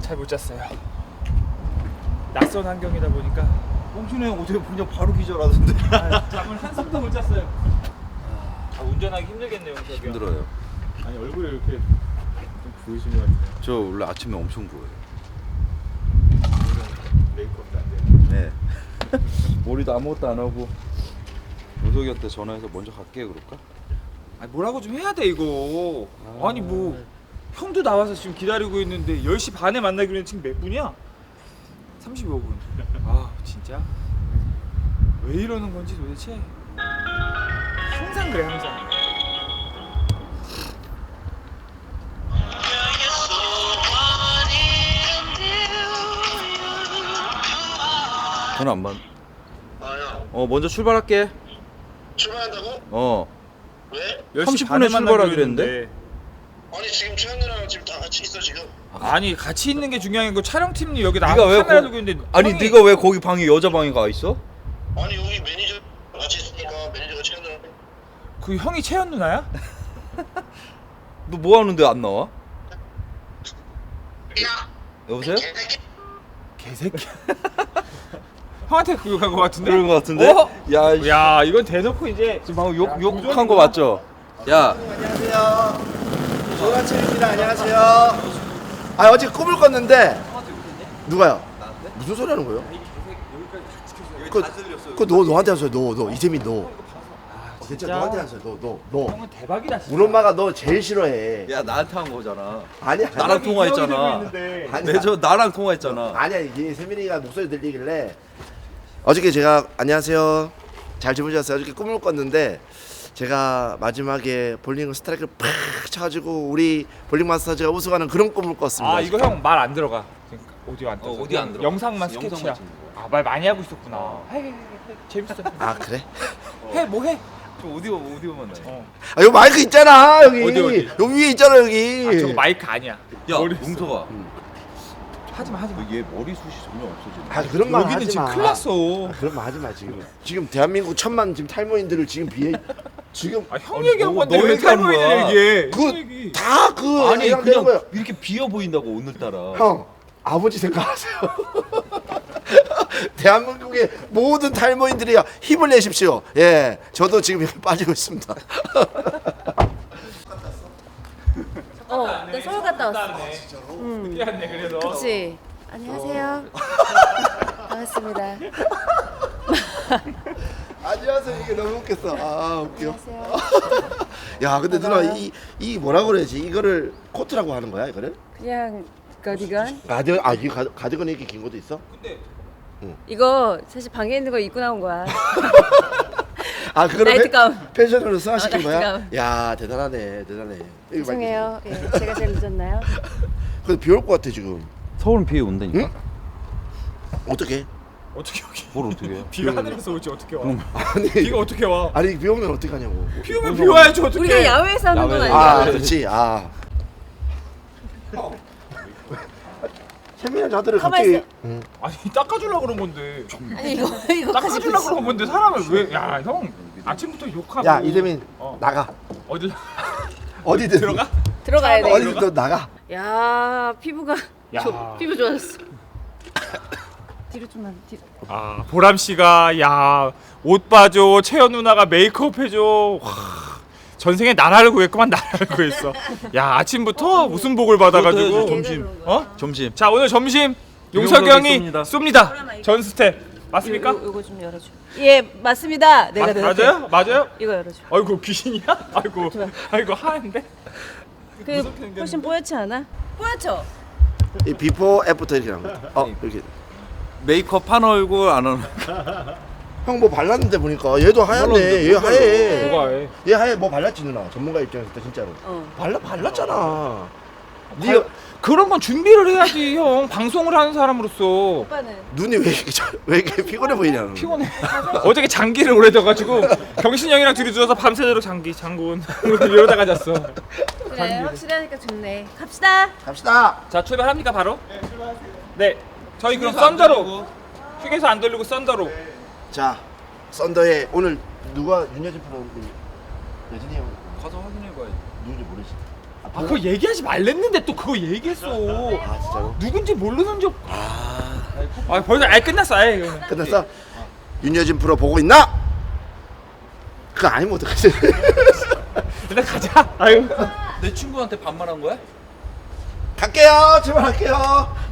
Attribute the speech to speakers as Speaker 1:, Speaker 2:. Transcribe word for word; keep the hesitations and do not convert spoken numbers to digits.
Speaker 1: 잘 못 잤어요. 낯선 환경이다 보니까.
Speaker 2: 뽕준이 형 어떻게 그냥 바로 기절하던데.
Speaker 1: 아, 잠을 한숨도 못 잤어요. 아, 운전하기 힘들겠네요, 저기요.
Speaker 2: 힘들어요.
Speaker 1: 아니 얼굴이 이렇게 좀 부으신 것 같아요.
Speaker 2: 저 원래 아침에 엄청 부어요.
Speaker 1: 메이크업도 안 되는.
Speaker 2: 네. 머리도 아무것도 안 하고 우석이한테 전화해서 먼저 갈게 그럴까?
Speaker 1: 아 뭐라고 좀 해야 돼 이거. 아... 아니 뭐 형도 나와서 지금 기다리고 있는데 열 시 반에 만나기로 했는데 지금 몇 분이야? 삼십오 분. 아 진짜 왜 이러는 건지 도대체. 항상 그래 항상.
Speaker 2: 전화 안 받.
Speaker 3: 아야
Speaker 2: 어 먼저 출발할게.
Speaker 3: 출발한다고?
Speaker 2: 어.
Speaker 3: 왜?
Speaker 2: 삼십 분에 출발하기로 했는데.
Speaker 3: 아니 지금 최현 누나랑 지금 다 같이 있어 지금.
Speaker 1: 아니 같이 있는 게 중요한 거 촬영팀이 여기 나
Speaker 2: 네가 왜
Speaker 1: 카메라
Speaker 2: 거-
Speaker 1: 들고 있는데
Speaker 2: 아니
Speaker 1: 형이-
Speaker 2: 네가 왜 거기 방에 여자 방에 가 있어?
Speaker 3: 아니 여기 매니저 같이 있으니까 매니저가 최현 누나.
Speaker 1: 그 형이 채연 누나야?
Speaker 2: 너 뭐 하는데 안 나와?
Speaker 3: 야
Speaker 2: 여보세요?
Speaker 3: 개새끼.
Speaker 1: 개새끼. 형한테 그거 간거 같은데?
Speaker 2: 그런 거 같은데?
Speaker 1: 어?
Speaker 2: 야, 이-
Speaker 1: 야 이건 대놓고 이제
Speaker 2: 지금 방금 욕 욕한 거 맞죠? 야,
Speaker 4: 안녕하세요. 좋은 아침입니다. 안녕하세요. 아 어제 꿈을 꿨는데 누가요? 무슨 소리 하는 거예요? 그, 그 너, 너한테 하세요. 너, 너 이재민 너. 어, 진짜
Speaker 1: 진짜?
Speaker 4: 너한테 하세요. 너, 너, 너.
Speaker 1: 형은 대박이다 진짜.
Speaker 4: 우리 엄마가 너 제일 싫어해.
Speaker 2: 야 나한테 한 거잖아.
Speaker 4: 아니야.
Speaker 2: 나랑 통화했잖아.
Speaker 1: 있는데.
Speaker 4: 아니야.
Speaker 2: 매저 나랑 통화했잖아.
Speaker 4: 아니야. 이게 세민이가 목소리 들리길래 어저께 제가 안녕하세요. 잘 주무셨어요? 어저께 꿈을 꿨는데 제가 마지막에 볼링 스트라이크를 팍 쳐가지고 우리 볼링 마스터즈가 우승하는 그런 꿈을 꿨습니다.
Speaker 1: 아 이거 형 말 안 들어가. 그러니까 오디오 안 떠서.
Speaker 2: 어, 오디오 안 들어가.
Speaker 1: 영상만
Speaker 2: 영상만
Speaker 1: 스케치야.
Speaker 2: 찍는
Speaker 1: 아 말 많이 하고 있었구나. 해, 해, 해, 해. 재밌어.
Speaker 4: 아 그래?
Speaker 1: 해, 뭐 해?
Speaker 2: 좀 오디오 오디오만 나.
Speaker 1: 어.
Speaker 4: 아 여기 마이크 있잖아 여기.
Speaker 1: 어디, 어디?
Speaker 4: 여기 위에 있잖아 여기.
Speaker 1: 아 저거 마이크 아니야.
Speaker 2: 야,
Speaker 1: 모르겠어.
Speaker 2: 웅석아.
Speaker 1: 하지마 하지마.
Speaker 2: 얘 머리숱이 전혀 없어지네.
Speaker 4: 아 그런 말
Speaker 1: 여기는
Speaker 4: 하지
Speaker 1: 지금
Speaker 4: 마.
Speaker 1: 큰일 났어.
Speaker 4: 아, 그런 말 하지 마 지금. 지금 대한민국 천만 지금 탈모인들을 지금 비해 지금
Speaker 1: 아 형
Speaker 2: 아니,
Speaker 1: 얘기한
Speaker 2: 너-
Speaker 1: 건데
Speaker 2: 너
Speaker 1: 왜
Speaker 2: 얘기하는
Speaker 1: 탈모인
Speaker 2: 거야.
Speaker 1: 얘기해?
Speaker 4: 그-
Speaker 1: 형 얘기.
Speaker 4: 다그
Speaker 2: 아니
Speaker 4: 되는
Speaker 2: 그냥
Speaker 4: 거예요.
Speaker 2: 이렇게 비어 보인다고 오늘따라.
Speaker 4: 형 아버지 생각하세요. 대한민국의 모든 탈모인들이 힘을 내십시오. 예, 저도 지금 여기 빠지고 있습니다.
Speaker 5: 어, 나 서울 갔다 왔어.
Speaker 1: 늦게 왔네 그래서.
Speaker 5: 그치? 안녕하세요. 반갑습니다.
Speaker 4: 안녕하세요. 이게 너무 웃겼어. 아 웃겨.
Speaker 5: 안녕하세요.
Speaker 4: 야 근데 누나
Speaker 5: 반가워요.
Speaker 4: 이 이 뭐라 그래야지? 이거를 코트라고 하는 거야 이거를?
Speaker 5: 그냥 가디건?
Speaker 4: 가디건 아 이게 가- 가디건이 이렇게 긴 것도 있어?
Speaker 1: 근데
Speaker 5: 이거 사실 방에 있는 거 입고 나온 거야.
Speaker 4: 아 그거를
Speaker 5: 나이트
Speaker 4: 패-
Speaker 5: 가운.
Speaker 4: 패션으로 승화시킨
Speaker 5: 어,
Speaker 4: 거야?
Speaker 5: 나이트
Speaker 4: 야 대단하네 대단해. 이거
Speaker 5: 죄송해요. 예, 제가 제일 늦었나요?
Speaker 4: 근데 비올 것 같아 지금.
Speaker 2: 서울은 비 온다니까.
Speaker 4: 응? 어떻게?
Speaker 1: 어떻게 여기
Speaker 2: 뭘 어떻게 해?
Speaker 1: 비가 하늘에서 오지 어떻게 와?
Speaker 4: 아니
Speaker 1: 비가 어떻게 와?
Speaker 4: 아니 비 오면 어떻게 하냐고.
Speaker 1: 비 오면 비 와야지 어떻게?
Speaker 5: 우리가 야외에서 하는 건
Speaker 2: 야외에서.
Speaker 5: 아니야.
Speaker 4: 아 그렇지 아. 세민이 자들을
Speaker 5: 가만히
Speaker 4: 갑자기
Speaker 5: 있어.
Speaker 4: 응.
Speaker 1: 아니 닦아주려고 그런 건데.
Speaker 5: 아니 이거 이거 가지고
Speaker 1: 닦아주려고
Speaker 5: 있어.
Speaker 1: 그런 건데 사람을 왜? 야 형 아침부터 욕하고.
Speaker 4: 야 이재민
Speaker 1: 어.
Speaker 4: 나가
Speaker 1: 어디
Speaker 4: 어디든
Speaker 1: 들어가?
Speaker 5: 들어가야 돼.
Speaker 4: 어디든 너 나가.
Speaker 5: 야 피부가
Speaker 1: 야.
Speaker 5: 조, 피부 좋아졌어. 뒤로 좀만 뒤로.
Speaker 1: 아 보람 씨가 야 옷 봐줘 채연 누나가 메이크업 해줘. 와, 전생에 나라를 구했구만 나라를 구했어. 야 아침부터 무슨 복을 받아가지고.
Speaker 2: 점심.
Speaker 1: 어?
Speaker 2: 점심.
Speaker 1: 자 오늘 점심 용석이 형이
Speaker 2: 쏩니다.
Speaker 1: 쏩니다. 전 스텝 맞습니까?
Speaker 5: 요, 요거 좀 열어줘. 예 맞습니다. 내가
Speaker 1: 마-
Speaker 5: 내가
Speaker 1: 맞아요? 맞아요?
Speaker 5: 이거 열어줘.
Speaker 1: 아이고 귀신이야? 아이고 아이고 하는데?
Speaker 5: 그 훨씬 뽀얗지 않아? 뽀얗죠?
Speaker 4: 이 비포 애프터 이렇게 나온 거. 어 이렇게.
Speaker 2: 메이크업 한 얼굴 안 하는.
Speaker 4: 형 뭐 발랐는데 보니까 얘도 하얗네. 얘
Speaker 1: 뭐가
Speaker 4: 하얘.
Speaker 1: 뭐가 해?
Speaker 4: 얘 하얘 뭐 발랐지 누나. 전문가 입장에서 진짜로.
Speaker 5: 어.
Speaker 4: 발라 발랐잖아.
Speaker 1: 네가
Speaker 4: 네가
Speaker 1: 그런 건 준비를 해야지 형 방송을 하는 사람으로서.
Speaker 5: 오빠는
Speaker 4: 눈이 왜 이렇게 저- 왜 이렇게 피곤해 보이냐?
Speaker 1: 피곤해. 어저께 장기를 오래 져가지고 경신 형이랑 둘이 누워서 밤새도록 장기 장군 이러다가 잤어.
Speaker 5: 그래 확실히 하니까 좋네. 갑시다.
Speaker 4: 갑시다.
Speaker 1: 자 출발합니까 바로? 네 출발하세요. 네 저희 그럼 썬더로 휴게소 안 돌리고 썬더로.
Speaker 4: 자 썬더에 오늘 누가 윤여진 프로 우리 여진이 형
Speaker 2: 가서 확인해 봐야지.
Speaker 4: 누군지 모르지?
Speaker 1: 아 그거 얘기하지 말랬는데 또 그거 얘기했어.
Speaker 4: 아 진짜로?
Speaker 1: 누군지 모르는 적.
Speaker 4: 아
Speaker 1: 아 벌써 아예 끝났어 아예 이거는.
Speaker 4: 끝났어? 윤여진 프로 보고 있나? 그거 아니면 어떡하지?
Speaker 1: 일단 가자. 아유.
Speaker 2: 내 친구한테 반말한 거야?
Speaker 4: 갈게요. 출발할게요.